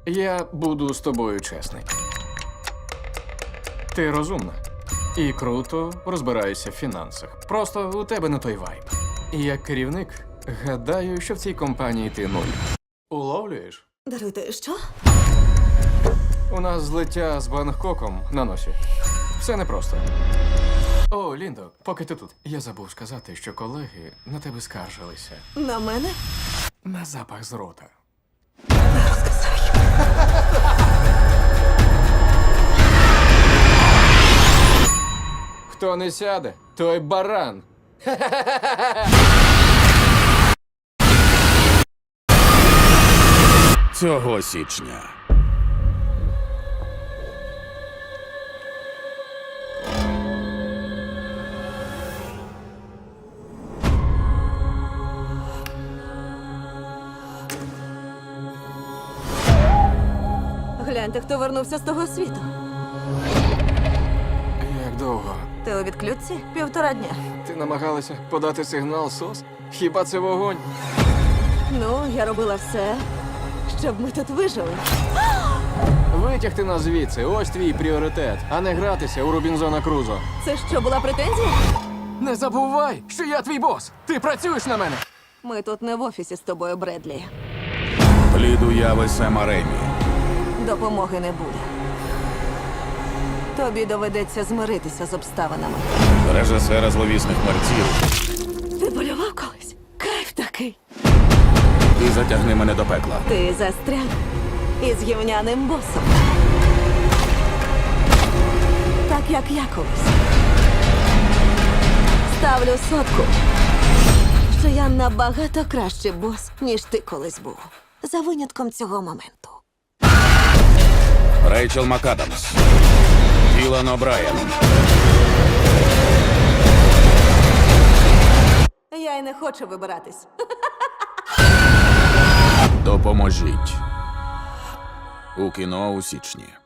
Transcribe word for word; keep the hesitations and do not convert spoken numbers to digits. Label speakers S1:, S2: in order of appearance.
S1: Я буду з тобою чесний. Ти розумна і круто розбираєшся в фінансах. Просто у тебе не той вайб. І як керівник, гадаю, що в цій компанії ти нуль. Уловлюєш?
S2: Даруйте, що?
S1: У нас злиття з Бангкоком на носі. Все непросто. О, Ліндо, поки ти тут. Я забув сказати, що колеги на тебе скаржилися.
S2: На мене?
S1: На запах з рота. Хто не сяде, той баран.
S3: Цього січня.
S2: Гляньте, хто вернувся з того світу.
S1: Як довго?
S2: Ти у відключці? Півтора дня.
S1: Ти намагалася подати сигнал СОС? Хіба це вогонь?
S2: Ну, я робила все, щоб ми тут вижили.
S1: Витягти нас звідси, ось твій пріоритет, а не гратися у Робінзона Крузо.
S2: Це що, була претензія?
S1: Не забувай, що я твій бос! Ти працюєш на мене!
S2: Ми тут не в офісі з тобою, Бредлі.
S3: Плід уяви Сема Ремі.
S2: Допомоги не буде. Тобі доведеться змиритися з обставинами.
S3: Режисера зловісних мерців.
S2: Ти полював колись? Кайф такий.
S3: І затягни мене до пекла.
S2: Ти застряг із гівняним босом. Так, як я колись. Ставлю сотку, що я набагато кращий бос, ніж ти колись був. За винятком цього моменту.
S3: Рейчел МакАдамс. Ілан О'Брайен.
S2: Я й не хочу вибиратись.
S3: Допоможіть. У кіно у січні.